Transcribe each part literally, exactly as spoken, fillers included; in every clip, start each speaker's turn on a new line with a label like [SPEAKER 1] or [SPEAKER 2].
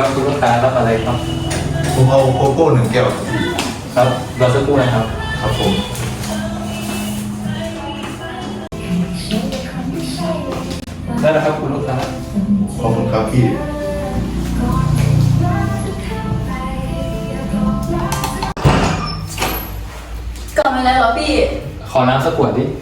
[SPEAKER 1] ครับคุณลูกค้ารับอะไรครับ
[SPEAKER 2] ผมเอาโกโก้หนึ่งแก้ว
[SPEAKER 1] ครับรอสักครู่นะครับ
[SPEAKER 2] ครับผม
[SPEAKER 1] ได้แล้วครับคุณลูกค้า
[SPEAKER 2] ขอบคุณครับพี่
[SPEAKER 3] กลับมาแล้วเหรอพี่
[SPEAKER 1] ขอน้ำสักขวดดิ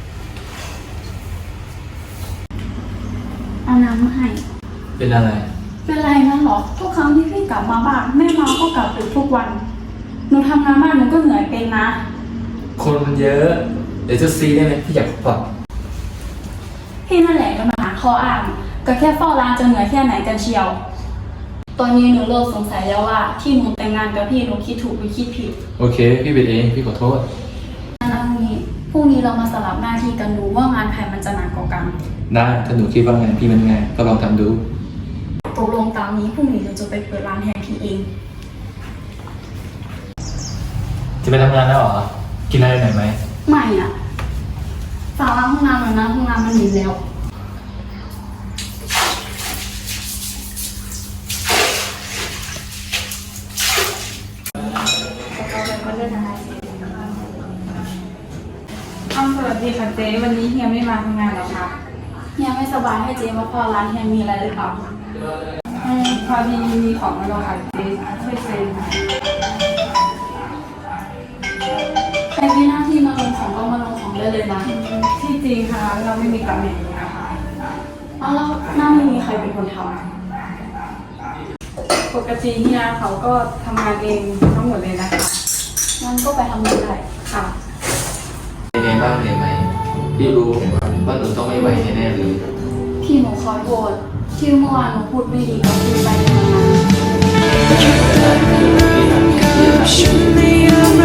[SPEAKER 3] เอาน้ำมาให้
[SPEAKER 1] เป็นอะไร
[SPEAKER 3] เป็นไรนะหรอทุกครั้งที่พี่กลับมาบ้านแม่มาก็กลับดึกทุกวันหนูทำงานบ้านหนูก็เหนื่อยเป็นนะ
[SPEAKER 1] คนมันเยอะเดี๋ยวจะซีได้ไหมพี่อยากปรับ
[SPEAKER 3] พี่นั่นแหละก็มาหาข้ออ้างก็แค่เฝ้าร้านจะเหนื่อยแค่ไหนกันเชียวตอนนี้หนูเริ่มสงสัยแล้วว่าที่หนูแต่งงานกับพี่หนูคิดถูกหรือคิดผิด
[SPEAKER 1] โอเคพี่เป็นเองพี่ขอโทษ
[SPEAKER 3] งั้นเอางี้พรุ่งนี้เรามาสลับหน้าที่กันดูว่างานใครมันจะหนักกว่ากัน
[SPEAKER 1] ได้ถ้าหนูคิดว่างานพี่มันไงก็ลองทำดู
[SPEAKER 3] ตกลงตามนี้พรุ่งนี้เราจะไปเปิดร้านแทนพี่เอง
[SPEAKER 1] จะไปทำงานแล้วเหรอกินอะไรหน่อยไหม
[SPEAKER 3] ไม่อ่ะฝากล้างห้องน้ำหน่อยนะห้องน้ำมันหนีแล้ว
[SPEAKER 4] อ้าวสวัสดีค่ะเจ๊วันนี้เฮียไม่มาทำงานหรอคะ
[SPEAKER 3] เฮียไม่สบายให้เจ๊มาพอร้านเฮียมีอะไรหรือเปล่า
[SPEAKER 4] อืมพอดีมีของมาลงค่ะเจ๊ช่วยเซ็น
[SPEAKER 3] ใครมีหน้าที่มาลงของก็มาลงของได้เลยนะ
[SPEAKER 4] ที่จริงค่ะเราไม่มีตำแหน่งนี้นะคะ
[SPEAKER 3] อ้าวแล้วหน้าไม่มีใครเป็นคนท
[SPEAKER 4] ำปกติเฮียเขาก็ทำงานเองทั้งหมดเลยนะคะ
[SPEAKER 3] งั้นก็ไปทำงานได้
[SPEAKER 4] ค่ะ
[SPEAKER 1] เป็นไงบ้างเหนื่อยไหมพี่รู้ว่าหนูต้องไม่ไหวแน่ๆเลย
[SPEAKER 3] พี่หนูขอโทษที่เมื่อวานหนูพูดไม่ดีกับพี่ไปในวันนั้น